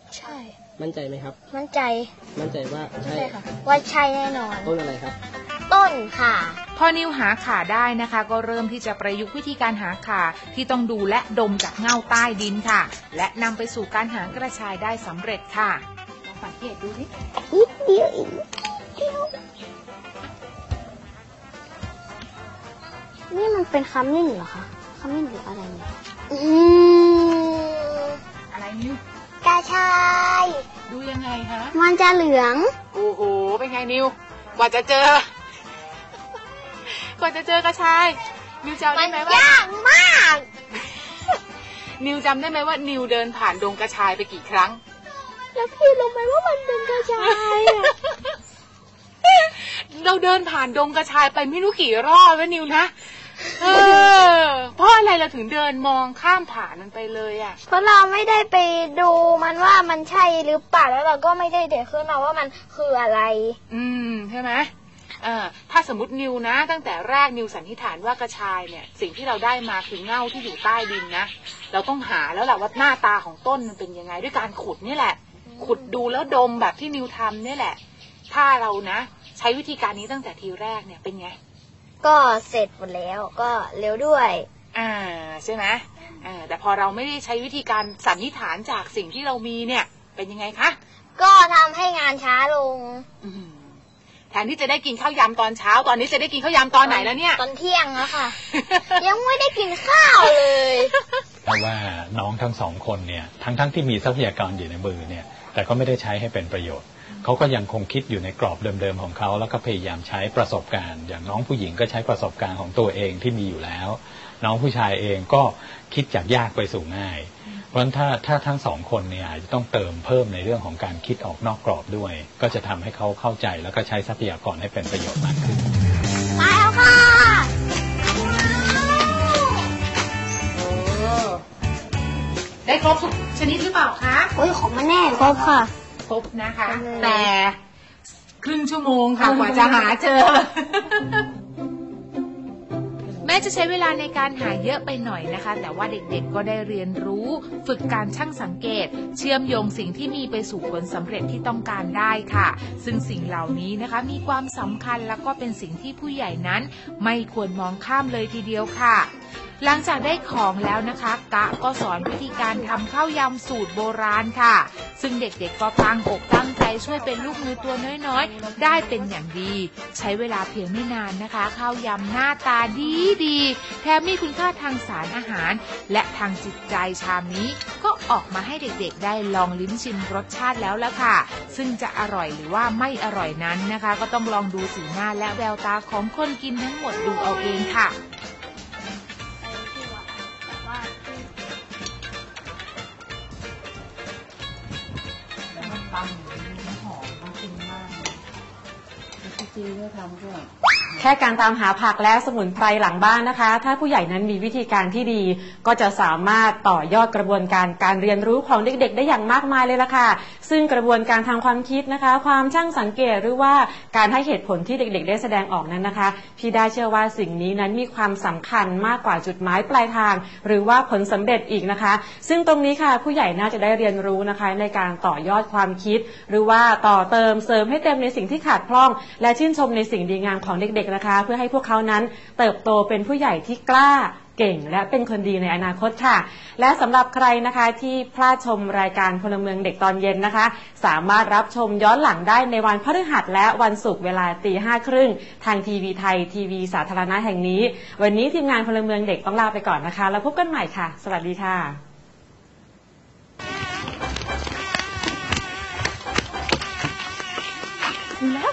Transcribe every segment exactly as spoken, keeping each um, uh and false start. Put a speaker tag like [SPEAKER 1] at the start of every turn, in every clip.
[SPEAKER 1] ใช่
[SPEAKER 2] มั่นใจไหมครับ
[SPEAKER 1] มั่นใจ
[SPEAKER 2] มั่นใจว่าใช่
[SPEAKER 1] ค่ะว่าใช่แน่นอน
[SPEAKER 2] ต้นอะไรครับ
[SPEAKER 1] ต้นข่า
[SPEAKER 3] พอนิวหาข่าได้นะคะก็เริ่มที่จะประยุกต์วิธีการหาข่าที่ต้องดูและดมจากเง่าใต้ดินค่ะและนำไปสู่การหากระชายได้สำเร็จค่ะลองสังเกตดูสิ
[SPEAKER 1] นิดเดียวอีกนี่มันเป็นขมิ้นเหรอคะขมิ้นหรืออะไรเนี่ยอื
[SPEAKER 3] มอะไรนิว
[SPEAKER 1] กระชาย
[SPEAKER 3] ดูยังไงคะ
[SPEAKER 1] มันจะเหลือง
[SPEAKER 3] โอ้โหเป็นไงนิวกว่าจะเจอกว่าจะเจอกระชายนิวจำได้ไหมว่าย
[SPEAKER 1] ากมาก
[SPEAKER 3] นิวจำได้ไหมว่านิวเดินผ่านดงกระชายไปกี่ครั้ง
[SPEAKER 1] แล้วพี่รู้ไหมว่ามันเป็นกระชาย
[SPEAKER 3] เราเดินผ่านดงกระชายไปไม่รู้กี่รอบแล้วนิวนะเออเพราะอะไรเราถึงเดินมองข้ามผ่านมันไปเลยอ่ะ
[SPEAKER 1] เพราะเราไม่ได้ไปดูมันว่ามันใช่หรือเปล่าแล้วเราก็ไม่ได้เด็กขึ้นมาว่ามันคืออะไร
[SPEAKER 3] อืมใช่ไหมเออถ้าสมมตินิวนะตั้งแต่แรกนิวสันนิษฐานว่ากระชายเนี่ยสิ่งที่เราได้มาคือเง่าที่อยู่ใต้ดินนะเราต้องหาแล้วแหละว่าหน้าตาของต้นมันเป็นยังไงด้วยการขุดนี่แหละขุดดูแล้วดมแบบที่นิวทำนี่แหละถ้าเรานะใช้วิธีการนี้ตั้งแต่ทีแรกเนี่ยเป็นไง
[SPEAKER 1] ก็เสร็จหมดแล้วก็เร็วด้วย
[SPEAKER 3] อ่าใช่ไหมอ่าแต่พอเราไม่ได้ใช้วิธีการสันนิษฐานจากสิ่งที่เรามีเนี่ยเป็นยังไงคะ
[SPEAKER 1] ก็ทำให้งานช้าลง
[SPEAKER 3] แทนที่จะได้กินข้าวยำตอนเช้าตอนนี้จะได้กินข้าวยำตอนไหนแล้วเนี่ย
[SPEAKER 1] ตอนเที่ยงแล้วค่ะ ยังไม่ได้กินข้าวเลย
[SPEAKER 4] เพราะว่าน้องทั้งสองคนเนี่ยทั้งทั้งที่มีทรัพยากรอยู่ในมือเนี่ยแต่ก็ไม่ได้ใช้ให้เป็นประโยชน์เขาก็ยังคงคิดอยู่ในกรอบเดิมๆของเขาแล้วก็พยายามใช้ประสบการณ์อย่างน้องผู้หญิงก็ใช้ประสบการณ์ของตัวเองที่มีอยู่แล้วน้องผู้ชายเองก็คิดจากยากไปสู่ง่ายเพราะฉะนั้นถ้าถ้าทั้งสองคนเนี่ยจะต้องเติมเพิ่มในเรื่องของการคิดออกนอกกรอบด้วยก็จะทำให้เขาเข้าใจแล้วก็ใช้ทรัพยากรให้เป็นประโยชน์มากขึ้น
[SPEAKER 1] มาแล้วค่ะ
[SPEAKER 3] ได้ครบทุกชนิดหรือเปล่าคะ
[SPEAKER 1] โอ้ยของมันแน่ครบค่ะ
[SPEAKER 3] ครบนะคะแต่ครึ่งชั่วโมงค่ะกว่าจะหาเจอแม้จะใช้เวลาในการหาเยอะไปหน่อยนะคะแต่ว่าเด็กๆก็ได้เรียนรู้ฝึกการชั่งสังเกตเชื่อมโยงสิ่งที่มีไปสู่ผลสำเร็จที่ต้องการได้ค่ะซึ่งสิ่งเหล่านี้นะคะมีความสำคัญและก็เป็นสิ่งที่ผู้ใหญ่นั้นไม่ควรมองข้ามเลยทีเดียวค่ะหลังจากได้ของแล้วนะคะกะก็สอนวิธีการทำข้าวยำสูตรโบราณค่ะซึ่งเด็กๆก็ตั้งอกตั้งใจช่วยเป็นลูกมือตัวน้อยๆได้เป็นอย่างดีใช้เวลาเพียงไม่นานนะคะข้าวยำหน้าตาดีดีแถมมีคุณค่าทางสารอาหารและทางจิตใจชามนี้ก็ออกมาให้เด็กๆได้ลองลิ้มชิมรสชาติแล้วละค่ะซึ่งจะอร่อยหรือว่าไม่อร่อยนั้นนะคะก็ต้องลองดูสีหน้าและแววตาของคนกินทั้งหมดดูเอาเองค่ะ
[SPEAKER 5] แค่การตามหาผักและสมุนไพรหลังบ้านนะคะถ้าผู้ใหญ่นั้นมีวิธีการที่ดีก็จะสามารถต่อยอดกระบวนการการเรียนรู้ของเด็กๆได้อย่างมากมายเลยล่ะค่ะซึ่งกระบวนการทางความคิดนะคะความช่างสังเกตหรือว่าการให้เหตุผลที่เด็กๆได้แสดงออกนั้นนะคะพี่ได้เชื่อว่าสิ่งนี้นั้นมีความสำคัญมากกว่าจุดหมายปลายทางหรือว่าผลสำเร็จอีกนะคะซึ่งตรงนี้ค่ะผู้ใหญ่น่าจะได้เรียนรู้นะคะในการต่อยอดความคิดหรือว่าต่อเติมเสริมให้เต็มในสิ่งที่ขาดพร่องและชื่นชมในสิ่งดีงามของเด็กๆนะคะเพื่อให้พวกเขานั้นเติบโตเป็นผู้ใหญ่ที่กล้าเก่งและเป็นคนดีในอนาคตค่ะและสำหรับใครนะคะที่พลาดชมรายการพลเมืองเด็กตอนเย็นนะคะสามารถรับชมย้อนหลังได้ในวันพฤหัสและวันศุกร์เวลาตีห้าครึ่งทางทีวีไทยทีวีสาธารณะแห่งนี้วันนี้ทีมงานพลเมืองเด็กต้องลาไปก่อนนะคะแล้วพบกันใหม่ค่ะสวัสดีค่ะ
[SPEAKER 1] แล้ว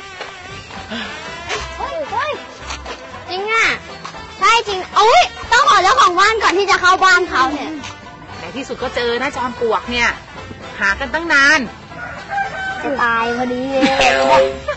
[SPEAKER 1] จริงอ่ะใช่จริงโอ้ยต้องขอเจ้าของบ้านก่อนที่จะเข้าบ้านเขาเนี่ย
[SPEAKER 3] ในที่สุดก็เจอนะจอมปลวกเนี่ยหากันตั้งนาน
[SPEAKER 1] จะตายพอดีเลย